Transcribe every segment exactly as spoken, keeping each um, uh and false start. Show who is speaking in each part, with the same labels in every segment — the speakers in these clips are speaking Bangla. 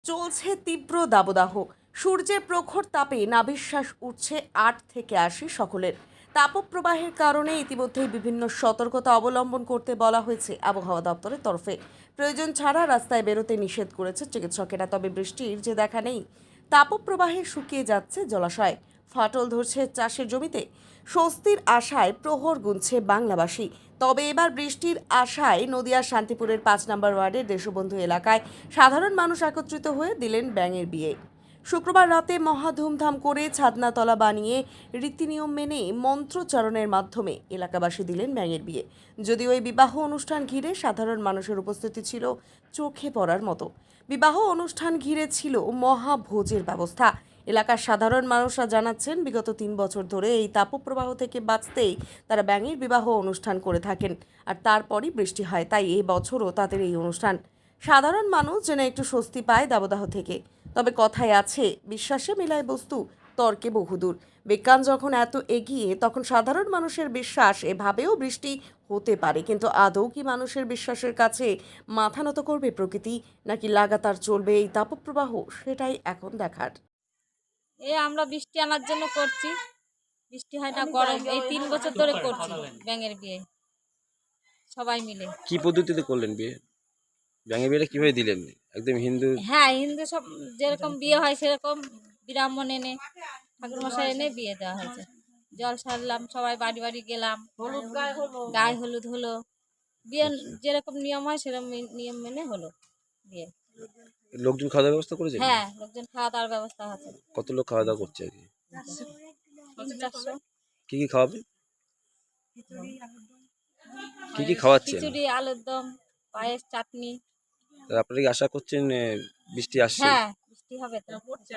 Speaker 1: চলছে তীব্র দাবদাহ। সূর্যের প্রখর তাপে নাভিশ্বাস উঠছে আট থেকে আশি সকলের। তাপপ্রবাহের কারণে ইতিমধ্যেই বিভিন্ন সতর্কতা অবলম্বন করতে বলা হয়েছে আবহাওয়া দপ্তরের তরফে। প্রয়োজন ছাড়া রাস্তায় বেরোতে নিষেধ করেছে চিকিৎসকেরা। তবে বৃষ্টির যে দেখা নেই, তাপপ্রবাহে শুকিয়ে যাচ্ছে জলাশয়, ফাটল ধরছে চাষের জমিতে। স্বস্তির আশায় প্রহর গুনছে বাংলাবাসী। তবে এবার বৃষ্টির আশায় নদিয়ার শান্তিপুরের পাঁচ নম্বর ওয়ার্ডের দেশবন্ধু এলাকায় সাধারণ মানুষ একত্রিত হয়ে দিলেন ব্যাঙের বিয়ে। শুক্রবার রাতে মহা ধুমধাম করে ছাদনাতলা বানিয়ে রীতিনিয়ম মেনে মন্ত্রোচ্চারণের মাধ্যমে এলাকাবাসী দিলেন ব্যাঙের বিয়ে। যদিও এই বিবাহ অনুষ্ঠান ঘিরে সাধারণ মানুষের উপস্থিতি ছিল চোখে পড়ার মতো। বিবাহ অনুষ্ঠান ঘিরে ছিল মহাভোজের ব্যবস্থা। এলাকার সাধারণ মানুষরা জানাচ্ছেন, বিগত তিন বছর ধরে এই তাপপ্রবাহ থেকে বাঁচতেই তারা ব্যাঙের বিবাহ অনুষ্ঠান করে থাকেন, আর তারপরই বৃষ্টি হয়। তাই এই বছরও তাদের এই অনুষ্ঠান। সাধারণ মানুষ যেন একটু স্বস্তি পায় দাবদাহ থেকে। তবে কথায় আছে, বিশ্বাসে মেলায় বস্তু, তর্কে বহুদূর। বিজ্ঞান যখন এত এগিয়ে, তখন সাধারণ মানুষের বিশ্বাস এভাবেও বৃষ্টি হতে পারে। কিন্তু আদৌ কি মানুষের বিশ্বাসের কাছে মাথা নত করবে প্রকৃতি, নাকি লাগাতার চলবে এই তাপপ্রবাহ, সেটাই এখন দেখার।
Speaker 2: এই আমরা বৃষ্টি আনার জন্য করছি, বৃষ্টি হয় না, গরম। এই তিন বছর ধরে করছি ব্যাঙের বিয়ে সবাই মিলে।
Speaker 3: কি পদ্ধতিতে করলেন বিয়ে? ব্যাঙের বিয়েটা কিভাবে দিলেন? একদম হিন্দু?
Speaker 2: হ্যাঁ, হিন্দু সব যেরকম বিয়ে হয় সেরকম ব্রাহ্মণ এনে, ঠাকুরমশাই এনে বিয়ে দেওয়া হয়েছে। জল সারলাম, সবাই বাড়ি বাড়ি গেলাম, গায়ে হলুদ হলো, বিয়ে যেরকম নিয়ম হয় সেরকম নিয়ম মেনে হলো বিয়ে।
Speaker 3: লোকজন খাওয়া দাওয়ার ব্যবস্থা করেছে?
Speaker 2: হ্যাঁ, লোকজন খাওয়া দাওয়ার ব্যবস্থা আছে।
Speaker 3: কত লোক খাওয়া দাওয়া করছে আর কি?
Speaker 2: চারশো।
Speaker 3: কি কি খাওয়াবে? কি কি খাওয়াচ্ছেন?
Speaker 2: খিচুড়ি, আলুর দম, পায়েস, চাটনি।
Speaker 3: আপনারা কি আশা করছেন এ, বৃষ্টি আসছে?
Speaker 2: হ্যাঁ, বৃষ্টি হবে তো।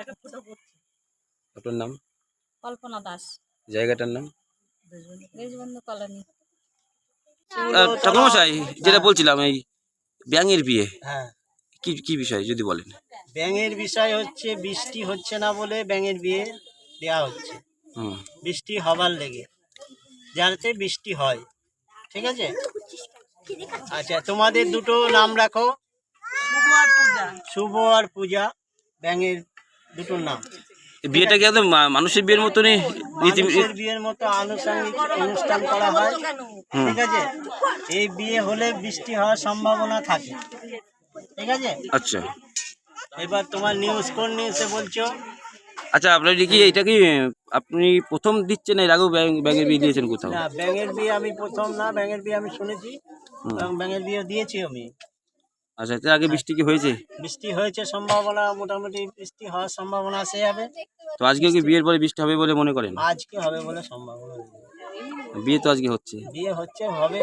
Speaker 3: আপনার নাম?
Speaker 2: কল্পনা দাস,
Speaker 3: জায়গাটার নাম?
Speaker 2: দেশবন্ধু কলোনি।
Speaker 3: ঠাকুরমশাই, যেটা বলছিলাম, এই ব্যাঙের বিয়ে
Speaker 4: হ্যাঁ,
Speaker 3: কি কি বিষয় যদি বলেন।
Speaker 4: ব্যাঙের বিষয় হচ্ছে বৃষ্টি হচ্ছে না বলে ব্যাঙের বিয়ে দেয়া হচ্ছে।
Speaker 3: হুম।
Speaker 4: বৃষ্টি হবার লেগে, যাতে বৃষ্টি হয়। ঠিক আছে, আচ্ছা, তোমাদের দুটো নাম রাখো, শুভ আর পূজা, ব্যাঙের দুটোর নাম।
Speaker 3: এই বিয়েটা কি একদম মা- মানুষের বিয়ের মতনই রীতি?
Speaker 4: মানুষের বিয়ের মতো আনুষঙ্গিক অনুষ্ঠান করা হয়। ঠিক আছে, এই বিয়ে হলে বৃষ্টি হওয়ার সম্ভাবনা থাকে। ঠিক আছে,
Speaker 3: আচ্ছা
Speaker 4: এবার তোমার নিউজ কোন নিউজে বলছো?
Speaker 3: আচ্ছা, আপনার কি এটা কি আপনি প্রথম দিচ্ছেন, এর আগেও ব্যাঙ- ব্যাঙের বিয়ে দিয়েছেন কোথাও?
Speaker 4: না, ব্যাঙের বিয়ে আমি প্রথম না, ব্যাঙের বিয়ে আমি শুনেছি
Speaker 3: হুম।
Speaker 4: এবং ব্যাঙের বিয়ে দিয়েছি আমি।
Speaker 3: আচ্ছা, এর আগে বৃষ্টি কি হয়েছে?
Speaker 4: বৃষ্টি হয়েছে, সম্ভাবনা মোটামুটি বৃষ্টি হওয়ার সম্ভাবনা আছে যাবে।
Speaker 3: তো আজকে কি বিয়ের পরে বৃষ্টি হবে বলে মনে করেন?
Speaker 4: আজকে হবে বলে সম্ভাবনা নেই।
Speaker 3: বিয়ে তো আজকে হচ্ছে।
Speaker 4: বিয়ে হচ্ছে, হবে।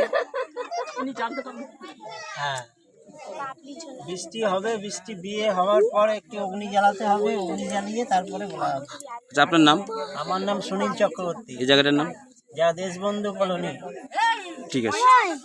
Speaker 4: হ্যাঁ, বৃষ্টি হবে, বৃষ্টি বিয়ে হওয়ার পর একটি অগ্নি জ্বালাতে হবে, অগ্নি জ্বালিয়ে তারপরে বলা হবে।
Speaker 3: আচ্ছা, আপনার নাম?
Speaker 4: আমার নাম সুনীল চক্রবর্তী,
Speaker 3: এই জায়গাটার নাম?
Speaker 4: যা দেশবন্ধু কলোনি।
Speaker 3: ঠিক আছে।